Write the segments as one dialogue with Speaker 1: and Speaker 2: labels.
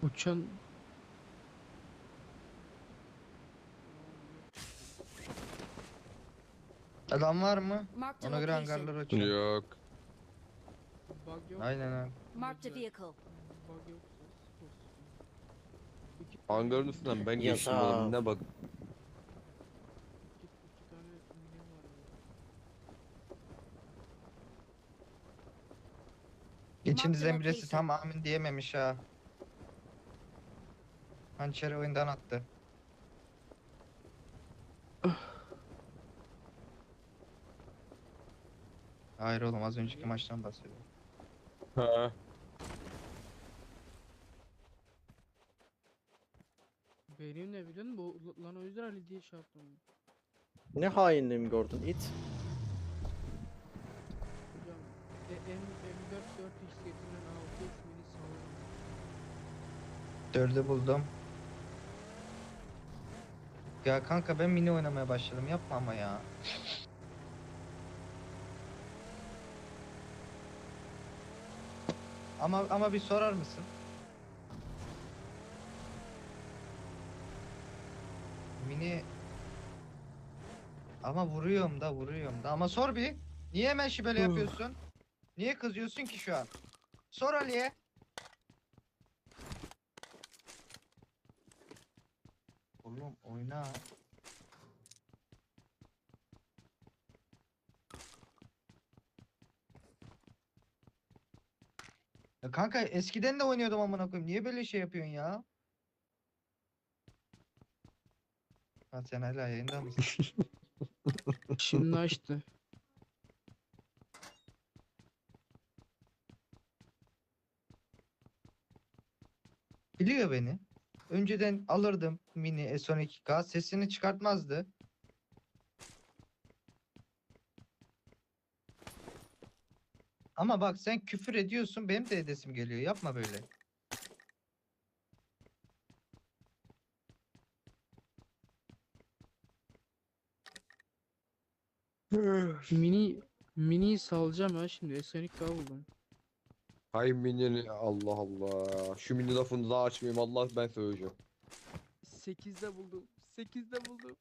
Speaker 1: Uçan
Speaker 2: Adam var mı?
Speaker 3: Marked a
Speaker 2: Ona göre
Speaker 3: location.
Speaker 2: hangarları açacağım.
Speaker 4: Yok.
Speaker 1: bug yok.
Speaker 2: Aynen abi.
Speaker 3: Marked a
Speaker 1: Güzel.
Speaker 3: vehicle.
Speaker 1: Bug yoksa sıfır. İki
Speaker 4: Hangarın
Speaker 1: tane
Speaker 4: üstünden ben
Speaker 5: Ya
Speaker 4: geçtim
Speaker 5: da-
Speaker 4: oğlum, ne bak.
Speaker 1: iki tane mini var ya.
Speaker 2: İçinizden birisi
Speaker 3: location.
Speaker 2: tam amin diyememiş ha. Hançeri oyundan attı. Hayır oğlum, az önceki maçtan bahsediyorum.
Speaker 4: Ha.
Speaker 1: Benim ne biliyor musun? Lan o yüzden Ali diye şey yaptım.
Speaker 5: Ne hainliğimi gördün it?
Speaker 1: Hocam M4 4x getirilen 6x mini sağlam.
Speaker 2: 4'ü buldum. Ya kanka ben mini oynamaya başladım. Yapma ama ya. Ama bir sorar mısın? Mini ama vuruyorum da ama sor bir. Niye hemen şibele yapıyorsun? Niye kızıyorsun ki şu an? Sor Ali'ye. Oğlum oyna. Ya kanka eskiden de oynuyordum amına koyayım. Niye böyle şey yapıyorsun ya? Ha sen hala yayında mısın?
Speaker 1: Şimdi açtı.
Speaker 2: Biliyor beni. Önceden alırdım mini S12K, sesini çıkartmazdı. Ama bak sen küfür ediyorsun, benim de edesim geliyor. Yapma böyle.
Speaker 1: Mini salacağım ha şimdi. S12K buldum.
Speaker 4: Hay minyoni, Allah Allah. Şu mini lafını daha açmayayım, Allah, ben söyleyeceğim.
Speaker 1: 8'de buldum. 8'de buldum.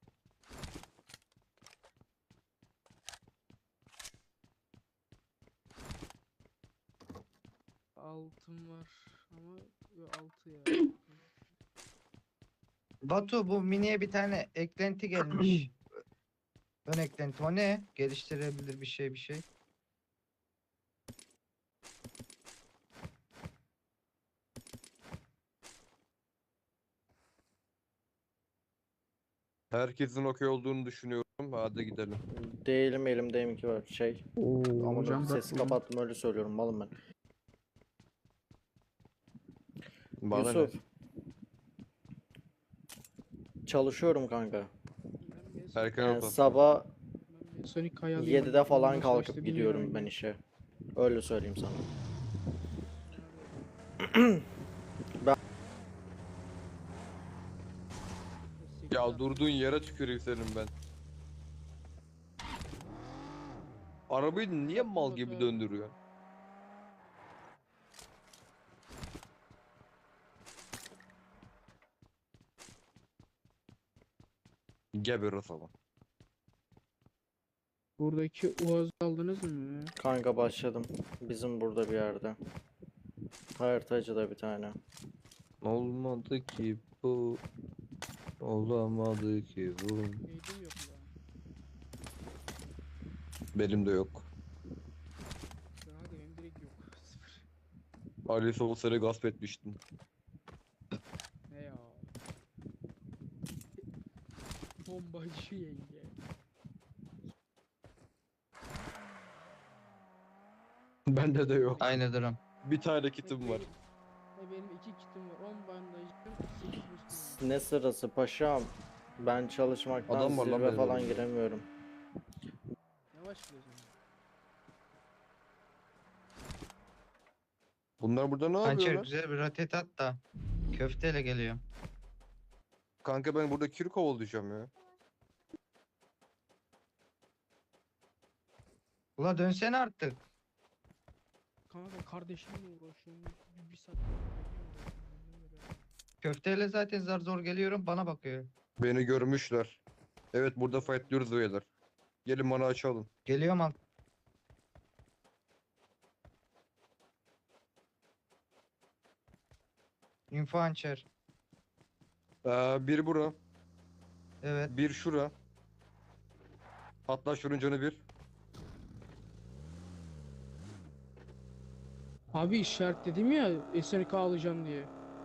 Speaker 1: Altın var ama yok, 6 ya.
Speaker 2: Batu, bu miniye bir tane eklenti gelmiş. Ön eklenti. O ne? Geliştirebilir bir şey.
Speaker 4: Herkesin okey olduğunu düşünüyorum. Hadi gidelim.
Speaker 5: Değilim, elimdeyim ki var şey. Ama
Speaker 1: hocam
Speaker 5: sesi kapattım, öyle söylüyorum malım ben.
Speaker 4: Bana
Speaker 5: Yusuf. Çalışıyorum kanka.
Speaker 4: Erken oku.
Speaker 5: Sabah
Speaker 1: Sonic Kaya'lıyım.
Speaker 5: 7'de falan
Speaker 1: Ondan sonra
Speaker 5: kalkıp
Speaker 1: istediğim yere
Speaker 5: gidiyorum ben
Speaker 1: oynayayım.
Speaker 5: işe. Öyle söyleyeyim sana.
Speaker 4: Ya durduğun yere tüküreyim senin ben. Arabayı niye mal gibi döndürüyor? Geber o zaman.
Speaker 1: Buradaki Uaz'ı aldınız mı?
Speaker 5: Kanka başladım. Bizim burada bir yerde. Haritacıda bir tane.
Speaker 4: Olmadı ki bu. Olamadı ki bu.
Speaker 1: Neydim yok ya.
Speaker 4: Benim de yok.
Speaker 1: Hadi benim direkt yok. Sıfır.
Speaker 4: Ali Soğuzlar'ı gasp etmiştim.
Speaker 1: Ne ya? Bombacı yenge.
Speaker 4: Bende de yok.
Speaker 2: Aynı durum.
Speaker 4: Bir tane kitim var.
Speaker 1: Benim 2 kitim var. 10 bandajım. 8 boostum var.
Speaker 5: Ne sırası paşam? Ben çalışmaktan
Speaker 4: Adam var lan
Speaker 5: zirve
Speaker 4: benim
Speaker 5: falan
Speaker 4: önümde.
Speaker 5: giremiyorum.
Speaker 1: Yavaş gidiyorsun.
Speaker 4: Bunlar burada ne
Speaker 2: Hançer
Speaker 4: yapıyorlar?
Speaker 2: güzel bir rotet at da. Köfteyle geliyor.
Speaker 4: Kanka ben burada kir kovalayacağım ya.
Speaker 2: Ula dönsene artık.
Speaker 1: Kanka kardeşimle uğraşıyorum. Bir saat uğraşıyorum.
Speaker 2: Köfteyle zaten zar zor geliyorum, bana bakıyor.
Speaker 4: Beni görmüşler. Evet burada fightlıyoruz beyler. Gelin bana açalım.
Speaker 2: Geliyorum alt. Info hançer.
Speaker 4: Bir bura.
Speaker 2: Evet.
Speaker 4: Bir şura. Hatta şunun canı bir.
Speaker 1: Abi işaretledim ya SNK alacağım diye.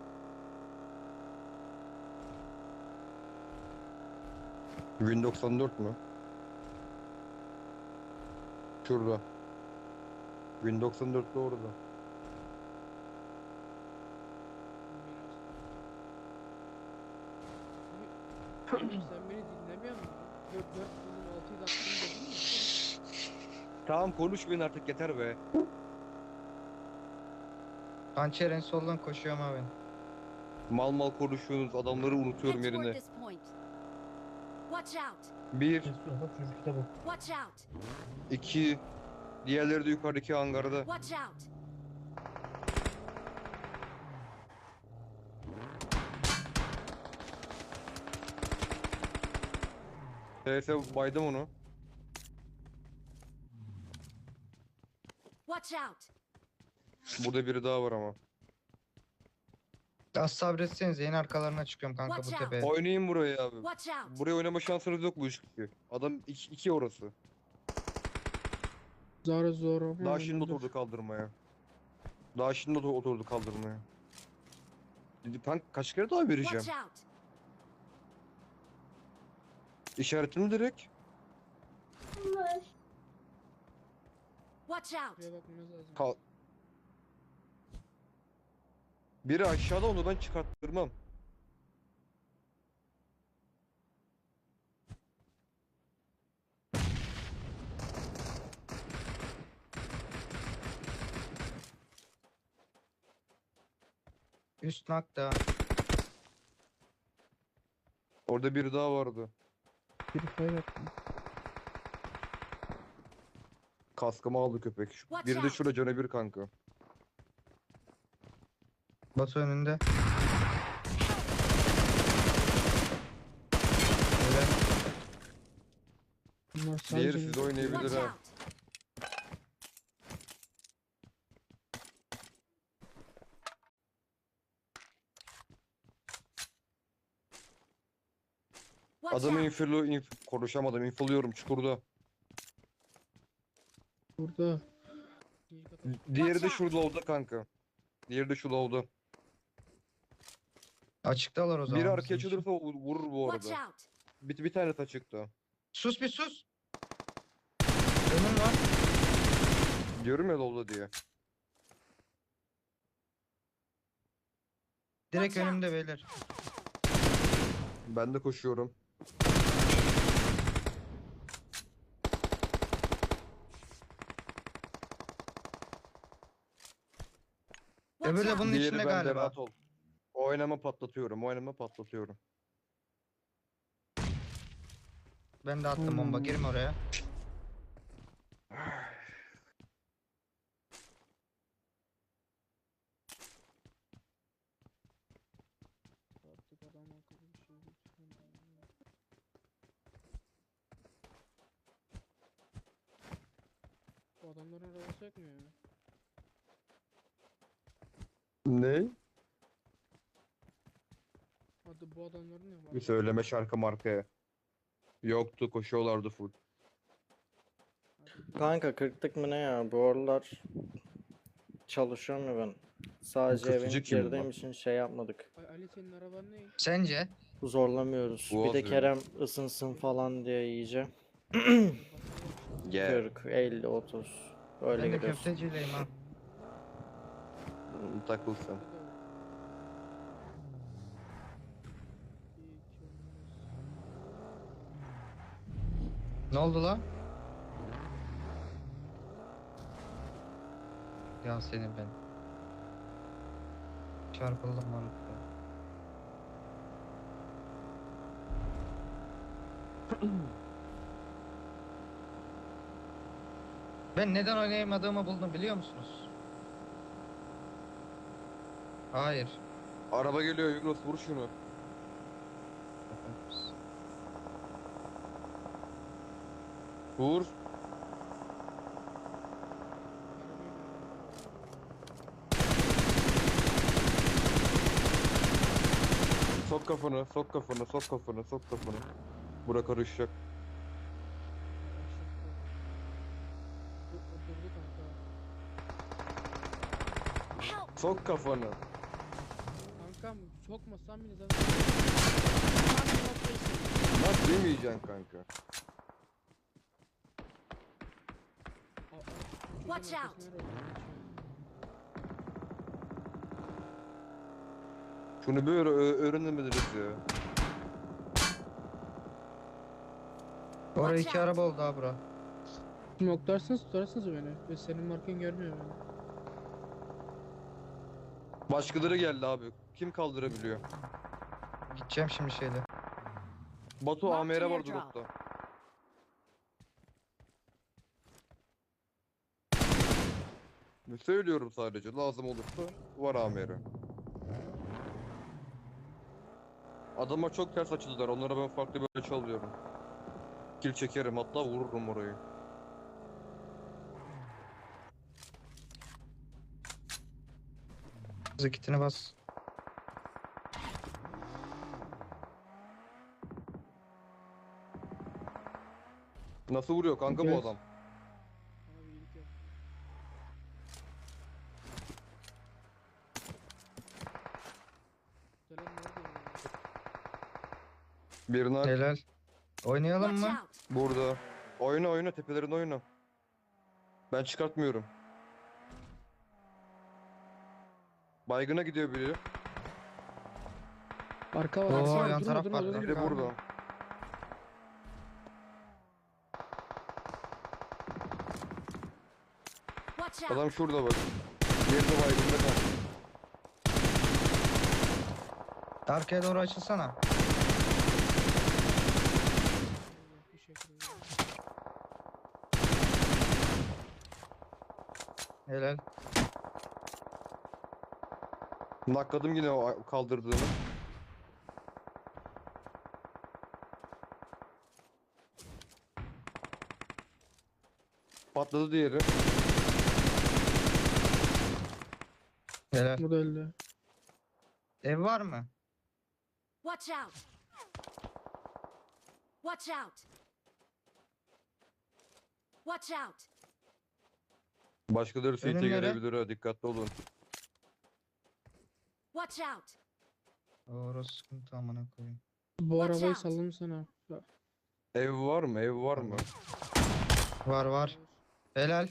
Speaker 4: Win 94 mü? Şurada. Win 94 de orada.
Speaker 1: Sen beni dinlemiyor musun? 4 bunun 6'yı da attın dedin mi?
Speaker 4: Tamam konuşmayın artık yeter be.
Speaker 2: Hançer en soldan koşuyorum abi.
Speaker 4: Mal mal konuşuyorsunuz adamları unutuyorum
Speaker 3: Head toward
Speaker 4: yerine.
Speaker 3: this point. Watch out!
Speaker 4: Bir,
Speaker 3: Watch out!
Speaker 4: iki, diğerleri de yukarıdaki hangarda.
Speaker 3: Watch out!
Speaker 4: TS baydım onu.
Speaker 3: Watch out!
Speaker 4: Burada biri daha var ama.
Speaker 2: Az sabretseniz yeni arkalarına çıkıyorum kanka bu
Speaker 3: Watch out.
Speaker 2: tepeye.
Speaker 4: Oynayın burayı abi.
Speaker 3: Watch out!
Speaker 4: Buraya oynama şansınız yok bu işi. Adam iki orası.
Speaker 1: Zor zor.
Speaker 4: Daha şimdi oturdu kaldırmaya. Daha şimdi oturdu kaldırmaya. Ben kaç kere daha vereceğim?
Speaker 3: Watch out!
Speaker 4: İşaretini direkt.
Speaker 3: Watch out!
Speaker 1: Buraya bakmamız lazım.
Speaker 4: Kal Biri aşağıda onu ben çıkarttırmam.
Speaker 2: Üst nakta.
Speaker 4: Orada biri daha vardı.
Speaker 1: Bir fire attım.
Speaker 4: Kaskımı aldı köpek.
Speaker 3: Watch
Speaker 4: Biri de
Speaker 3: out.
Speaker 4: şurada canı bir kanka.
Speaker 2: Batu önünde. Öyle.
Speaker 1: Bunlar
Speaker 4: Diğeri
Speaker 1: sadece
Speaker 4: siz oynayabilir
Speaker 3: Watch
Speaker 4: ha.
Speaker 3: out! Watch
Speaker 4: Adamı
Speaker 3: out!
Speaker 4: konuşamadım. Infoluyorum çukurda.
Speaker 1: burada.
Speaker 4: Diğeri de
Speaker 3: Watch
Speaker 4: şurada oldu kanka. Diğeri de şu lavda.
Speaker 2: Açıktalar o zaman.
Speaker 4: Biri
Speaker 2: bizim
Speaker 4: arkaya
Speaker 2: için.
Speaker 4: açılırsa vurur bu
Speaker 3: Watch
Speaker 4: arada.
Speaker 3: out!
Speaker 4: Bir tane açıkta.
Speaker 2: Sus bir sus. Önüm var.
Speaker 4: Diyorum ya lavda diye.
Speaker 2: Direkt
Speaker 3: Watch out.
Speaker 2: önümde beyler.
Speaker 4: Ben de koşuyorum.
Speaker 3: Watch
Speaker 2: Öbürü de
Speaker 3: out!
Speaker 2: bunun
Speaker 4: Diğeri
Speaker 2: içinde
Speaker 4: bende
Speaker 2: galiba.
Speaker 4: rahat ol. Oynama patlatıyorum. Oynama patlatıyorum.
Speaker 2: Ben de attım bomba. Girme oraya.
Speaker 1: Artık adam akıllı bir şey lütfen. Bu adamların arabası yok mu ya?
Speaker 4: Ne?
Speaker 1: Hadi bu adamların ne var?
Speaker 4: Bir söyleme şarkı markaya. Yoktu koşuyorlardı full.
Speaker 5: Kanka 40'lık mı ne ya? Bu aralar çalışıyorum ya ben. Sadece
Speaker 4: Kırkıcı
Speaker 5: evin
Speaker 4: kim
Speaker 5: girdiğim
Speaker 4: lan?
Speaker 5: için şey yapmadık.
Speaker 1: Ali senin araban ne?
Speaker 2: Sence?
Speaker 5: Zorlamıyoruz. Bir
Speaker 4: Boğaz
Speaker 5: de
Speaker 4: yolu.
Speaker 5: Kerem ısınsın falan diye iyice.
Speaker 4: Gel.
Speaker 5: 40, 50, 30. Öyle
Speaker 2: Ben de
Speaker 5: gidiyoruz.
Speaker 2: köftecileyim ha.
Speaker 4: Takıl sen.
Speaker 2: Ne oldu lan? Ya senin ben. Çarpıldım mantıklı. Ben neden oynayamadığımı buldum biliyor musunuz? Hayır.
Speaker 4: Araba geliyor Yunus, vur şunu. Vur. Sok kafanı, sok kafanı, sok kafanı, sok kafanı. Bura karışacak.
Speaker 1: Durdu kanka.
Speaker 3: Help!
Speaker 4: Sok kafanı.
Speaker 1: Kankam sokmasam bile zaten.
Speaker 3: Marked a location.
Speaker 4: Nasıl demeyeceksin kanka?
Speaker 3: Watch out.
Speaker 4: Şunu böyle öğrenemediniz ya.
Speaker 2: Oraya
Speaker 3: Watch
Speaker 2: iki
Speaker 3: out.
Speaker 2: araba oldu ha bura.
Speaker 1: Smokelarsınız tutarsınız beni. Ve senin markan görmüyor beni.
Speaker 4: Başkaları geldi abi. Kim kaldırabiliyor?
Speaker 2: Gideceğim şimdi şeyle.
Speaker 4: Batu
Speaker 3: Mark
Speaker 4: AMR var
Speaker 3: airdrop.
Speaker 4: dropta. Söylüyorum sadece. Lazım olursa var AMR. Adama çok ters açıldılar. Onlara ben farklı böyle çalıyorum. Kill çekerim, hatta vururum orayı.
Speaker 2: Hızlı kitini bas.
Speaker 4: Nasıl vuruyor kanka bu
Speaker 1: Evet.
Speaker 4: adam?
Speaker 1: Abi iyilik yap. Gelen nerede ya?
Speaker 4: Birine
Speaker 2: Helal. Oynayalım
Speaker 3: Watch
Speaker 2: mı?
Speaker 3: out!
Speaker 4: burada. Oyna oyna, tepelerin oyna. Ben çıkartmıyorum. Baygına gidiyor biri.
Speaker 1: Arka var.
Speaker 2: Oo,
Speaker 1: arka var.
Speaker 2: yan
Speaker 1: Durma,
Speaker 2: taraf
Speaker 1: durma,
Speaker 2: var.
Speaker 1: durma,
Speaker 4: Biri
Speaker 1: durma.
Speaker 4: burada.
Speaker 3: Watch out!
Speaker 4: Adam şurada bak. Diğeri de baygında kaldı.
Speaker 2: Arkaya doğru açılsana.
Speaker 1: Allah, bir şekilde.
Speaker 2: Helal.
Speaker 4: Nakladım yine o kaldırdığını. Patladı diğeri.
Speaker 2: Helal.
Speaker 1: Bu da öldü.
Speaker 2: Ev var mı?
Speaker 3: Watch out! Watch out! Watch out!
Speaker 4: Başkaları CT
Speaker 2: Önümlere.
Speaker 4: gelebilir ha, dikkatli olun.
Speaker 3: Watch out!
Speaker 2: Orası sıkıntı amına koyayım.
Speaker 1: Bu
Speaker 3: Watch
Speaker 1: arabayı
Speaker 3: out.
Speaker 1: salladım sana. Bak,
Speaker 4: Ev var mı? Ev var mı?
Speaker 2: Var var. Helal.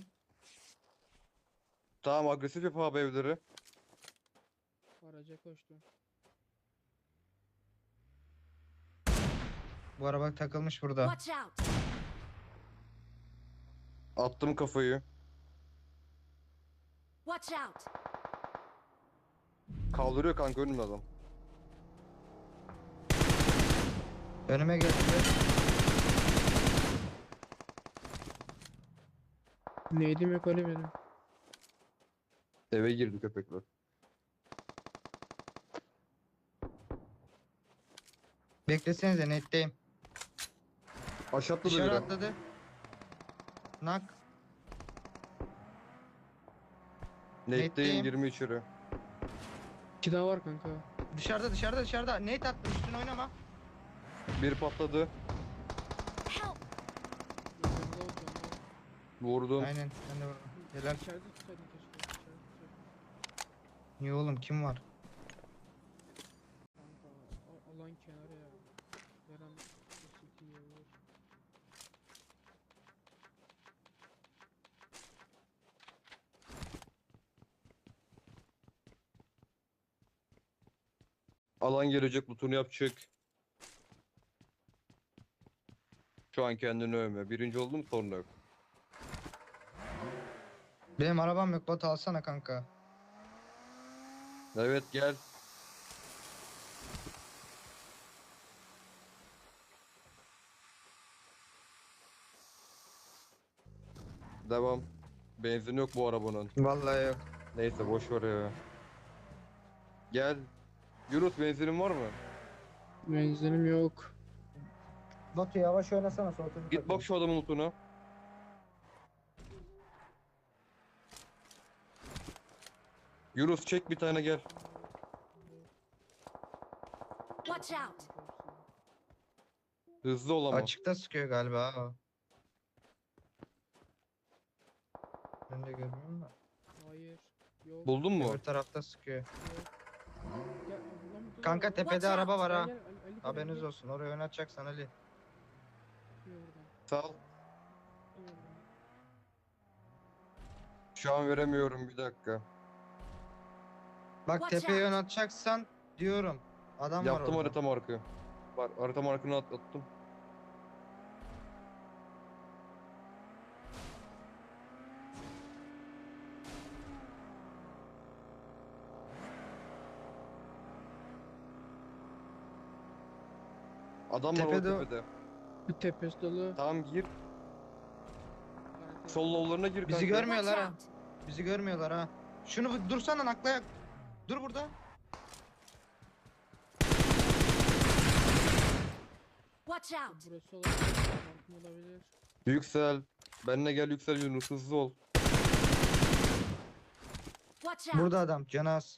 Speaker 4: Tamam, agresif yap abi evleri.
Speaker 1: Araca koştu.
Speaker 2: Bu araba takılmış burada.
Speaker 3: Watch out!
Speaker 4: Attım kafayı.
Speaker 3: Watch out!
Speaker 4: Kaldırıyor kanka önümde adam.
Speaker 2: Önüme geldi.
Speaker 1: Neydim yok öyle benim.
Speaker 4: Eve girdi köpekler.
Speaker 2: Beklesenize netteyim.
Speaker 4: Aşağı atladı
Speaker 2: Dışarı
Speaker 4: biri.
Speaker 2: atladı. Nak.
Speaker 4: Nate'deyim,
Speaker 2: Nate'deyim.
Speaker 4: girme içeri.
Speaker 1: İki daha var kanka.
Speaker 2: Dışarıda. Nate attı, üstüne oynama.
Speaker 4: Bir patladı.
Speaker 3: Help!
Speaker 1: Yanında olacağım.
Speaker 4: Vurdum.
Speaker 2: Aynen, ben de vurdum. Helal.
Speaker 1: İçeride tutsaydın keşke. İçeride tutsaydın.
Speaker 2: Niye oğlum, kim var?
Speaker 1: Kanka alan kenarı ya. Veren City'ye vur.
Speaker 4: Alan gelecek, lootunu yapacak. Şu an kendini övme. Birinci oldum, sonra yok.
Speaker 2: Benim arabam yok, bot alsana kanka.
Speaker 4: Evet gel. Devam. Benzin yok bu arabanın.
Speaker 2: Vallahi yok.
Speaker 4: Neyse boş ver ya. Gel. Yunus benzinin var mı?
Speaker 1: Benzinim yok.
Speaker 2: Batu yavaş oynasana soğutucu.
Speaker 4: Git bak şu adamın lootuna. Yunus çek bir tane gel.
Speaker 3: Watch out!
Speaker 4: Hızlı ol ama.
Speaker 2: Açıkta sıkıyor galiba ha. Ben de görmüyorum da.
Speaker 1: Hayır. Yok.
Speaker 4: Buldun mu?
Speaker 2: Öbür tarafta sıkıyor.
Speaker 1: Yok. Gel, lan bu da-
Speaker 2: Kanka tepede
Speaker 3: Watch out.
Speaker 2: araba var
Speaker 1: Gel,
Speaker 2: ha.
Speaker 1: gel, Ali gel,
Speaker 2: Haberiniz
Speaker 1: gel.
Speaker 2: olsun. Oraya oynatacaksan Ali.
Speaker 1: Gel buradan,
Speaker 4: Sağ ol.
Speaker 1: gel buradan.
Speaker 4: Şu an veremiyorum bir dakika.
Speaker 2: Bak
Speaker 3: Watch
Speaker 2: tepeye
Speaker 3: out.
Speaker 2: oynatacaksan diyorum. Adam var
Speaker 4: Yaptım
Speaker 2: orada.
Speaker 4: harita markı. Var harita markını attım. Adam var
Speaker 2: Tepede-
Speaker 4: o tepede.
Speaker 1: Bir tepesi dolu.
Speaker 4: Tamam gir.
Speaker 1: Kanka.
Speaker 4: Sol low'larına gir
Speaker 2: Bizi
Speaker 4: kanka.
Speaker 2: görmüyorlar
Speaker 3: Watch
Speaker 2: ha.
Speaker 3: out!
Speaker 2: Bizi görmüyorlar ha. Şunu bir dursana naklayak. Dur burada.
Speaker 3: Watch out!
Speaker 1: Burası olabilir. Markım olabilir.
Speaker 4: Yüksel. Benimle gel yüksel Yunus hızlı ol.
Speaker 3: Watch out!
Speaker 2: Burada adam. Canaz.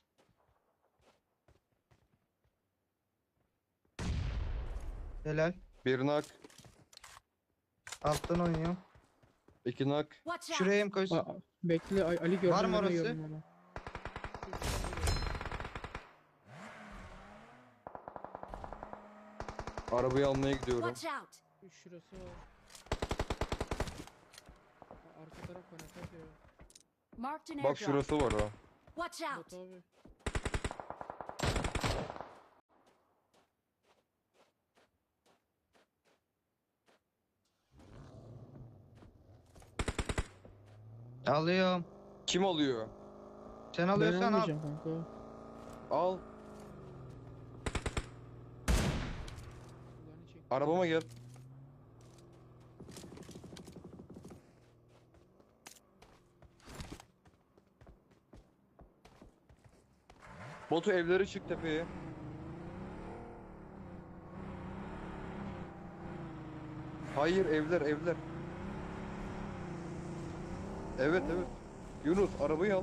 Speaker 2: Helal.
Speaker 4: Bir nak.
Speaker 2: Alttan oynuyor.
Speaker 4: İki nak.
Speaker 3: Watch out!
Speaker 2: Şuraya mı koysun?
Speaker 1: Aa, bekle Ali gördüm.
Speaker 2: Var mı
Speaker 1: ben de
Speaker 2: orası?
Speaker 1: gördüm onu.
Speaker 4: Arabayı almaya gidiyorum.
Speaker 3: Watch out!
Speaker 1: Şurası var. Arka taraf kanat atıyor.
Speaker 3: Marked an
Speaker 4: Bak
Speaker 3: airdrop.
Speaker 4: şurası var ha.
Speaker 3: Watch out!
Speaker 1: Bot abi.
Speaker 2: Alıyorum.
Speaker 4: Kim alıyor?
Speaker 2: Sen
Speaker 1: Ben
Speaker 2: alıyorsan al.
Speaker 1: almayacağım kanka.
Speaker 4: Al.
Speaker 1: Kulağını çek.
Speaker 4: Arabama gel. Botu evleri çık tepeye. Hayır evler evler. Evet evet. Yunus arabayı al.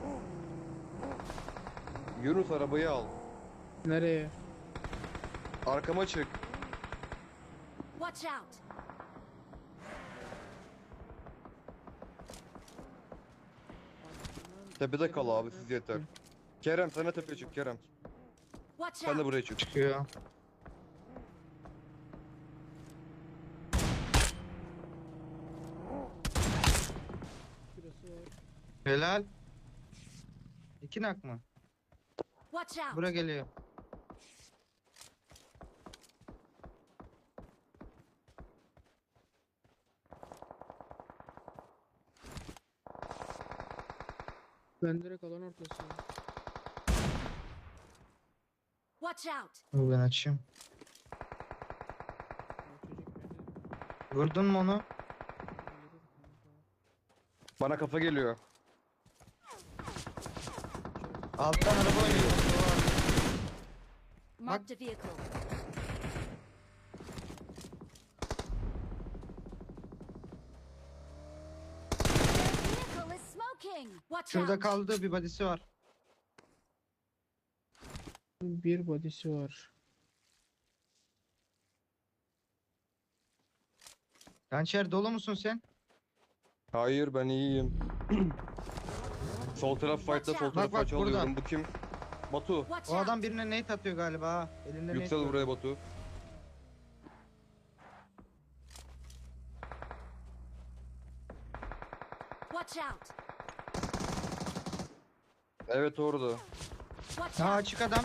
Speaker 4: Yunus arabayı al.
Speaker 1: Nereye?
Speaker 4: Arkama çık.
Speaker 3: Watch out!
Speaker 4: Tepede kal abi siz yeter. Kerem sen de tepeye çık Kerem.
Speaker 3: Watch
Speaker 4: Sen de
Speaker 3: out!
Speaker 4: buraya çık.
Speaker 2: Çıkıyor.
Speaker 1: Şurası var.
Speaker 2: Helal. İki nak mı?
Speaker 3: Watch out!
Speaker 2: Bura geliyor.
Speaker 1: Ben direkt alan ortası.
Speaker 3: Watch out!
Speaker 2: Dur ben açayım.
Speaker 1: O çocuk beni
Speaker 2: Vurdun mu onu?
Speaker 1: öldürür kanka.
Speaker 4: Bana kafa geliyor.
Speaker 2: Alttan araba oynuyor.
Speaker 3: Marked a vehicle. Their vehicle is smoking! Watch
Speaker 2: Şurada
Speaker 3: out!
Speaker 2: kaldı bir badisi var.
Speaker 1: Bir body'si var.
Speaker 2: Gançer dolu musun sen?
Speaker 4: Hayır ben iyiyim. Sol taraf fight'ta sol
Speaker 3: Bak,
Speaker 4: taraf
Speaker 2: bak,
Speaker 4: fight
Speaker 2: burada.
Speaker 4: alıyorum. Bu kim? Batu.
Speaker 3: Watch
Speaker 2: O adam
Speaker 3: out!
Speaker 2: birine nate atıyor galiba ha. Elinde nate
Speaker 4: Yüksel
Speaker 2: var.
Speaker 4: buraya Batu.
Speaker 3: Watch out!
Speaker 4: Evet orada.
Speaker 3: Watch
Speaker 2: Ha
Speaker 3: out!
Speaker 2: açık adam.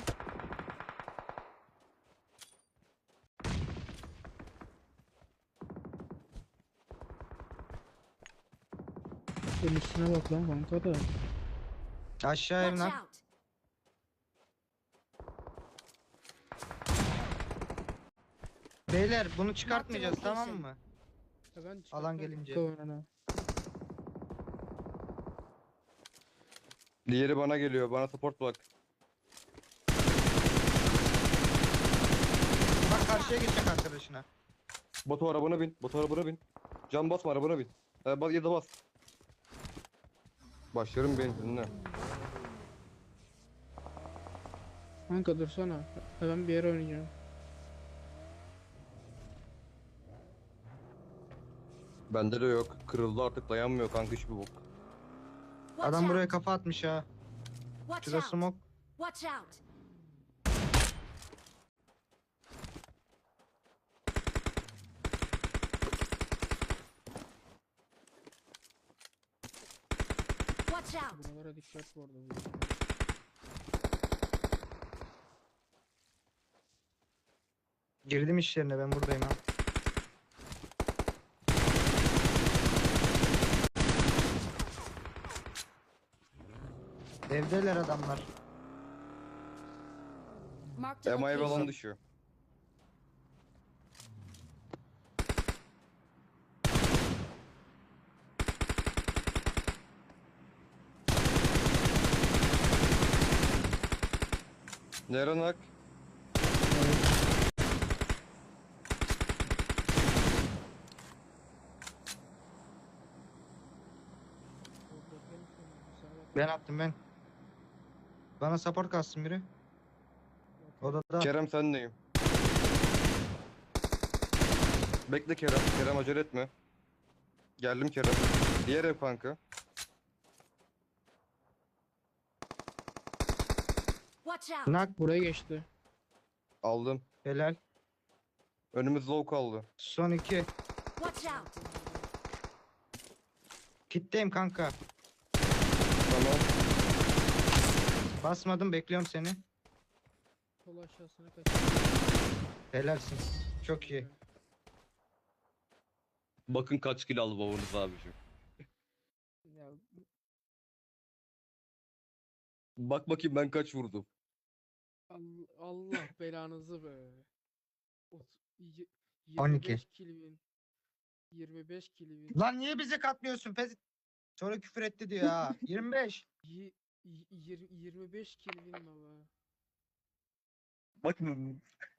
Speaker 1: Senin üstüne bak lan kanka da.
Speaker 2: Aşağı
Speaker 3: Watch
Speaker 2: evden.
Speaker 3: out!
Speaker 2: Beyler bunu çıkartmayacağız tamam mı?
Speaker 1: Ya ben
Speaker 2: Alan
Speaker 1: çıkartmam
Speaker 2: gelince.
Speaker 1: kanka onu.
Speaker 4: Diğeri bana geliyor. Bana support bak.
Speaker 2: karşıya geçecek arkadaşına.
Speaker 4: Batu arabana bin. Batu arabana bin. Can basma arabana bin. Bas ya da bas. Başlarım benzinle.
Speaker 1: Kanka dursana. Ben bir yere oynayacağım.
Speaker 4: Bende de yok. Kırıldı artık dayanmıyor kanka hiçbir bok.
Speaker 3: Watch
Speaker 2: Adam buraya
Speaker 3: out!
Speaker 2: kafa atmış ha.
Speaker 3: Watch
Speaker 2: Şurada
Speaker 3: out!
Speaker 2: smoke.
Speaker 3: Watch out! Watch out!
Speaker 1: Buralara dikkat bu arada.
Speaker 2: Girdim işlerine, ben buradayım ha. Evdeler adamlar.
Speaker 3: Marked a
Speaker 4: Emaye
Speaker 3: location.
Speaker 4: falan düşüyor. Nerenak?
Speaker 2: Ben attım ben. Bana support kalsın biri. Odada.
Speaker 4: Kerem sendeyim. Bekle Kerem. Kerem acele etme. Geldim Kerem. Diğer ev kanka.
Speaker 3: Watch out!
Speaker 2: Nak.
Speaker 1: Buraya geçti.
Speaker 4: Aldım.
Speaker 2: Helal.
Speaker 4: Önümüz low kaldı.
Speaker 2: Son 2.
Speaker 3: Watch out!
Speaker 2: Kitleyim kanka.
Speaker 4: Tamam.
Speaker 2: Basmadım, bekliyorum seni.
Speaker 1: Sol aşağısına kaç.
Speaker 2: Helalsin. Çok iyi.
Speaker 4: Bakın kaç kill aldı babanız abiciğim.
Speaker 1: Ya
Speaker 4: Bak bakayım ben kaç vurdum.
Speaker 1: Allah belanızı be. Y-
Speaker 2: 12.
Speaker 1: 25 kilvin. 25 kilvin.
Speaker 2: Lan niye bizi katmıyorsun Pez? Sonra küfür etti diyor ha. 25.
Speaker 1: 25 kilvin baba.
Speaker 4: Bak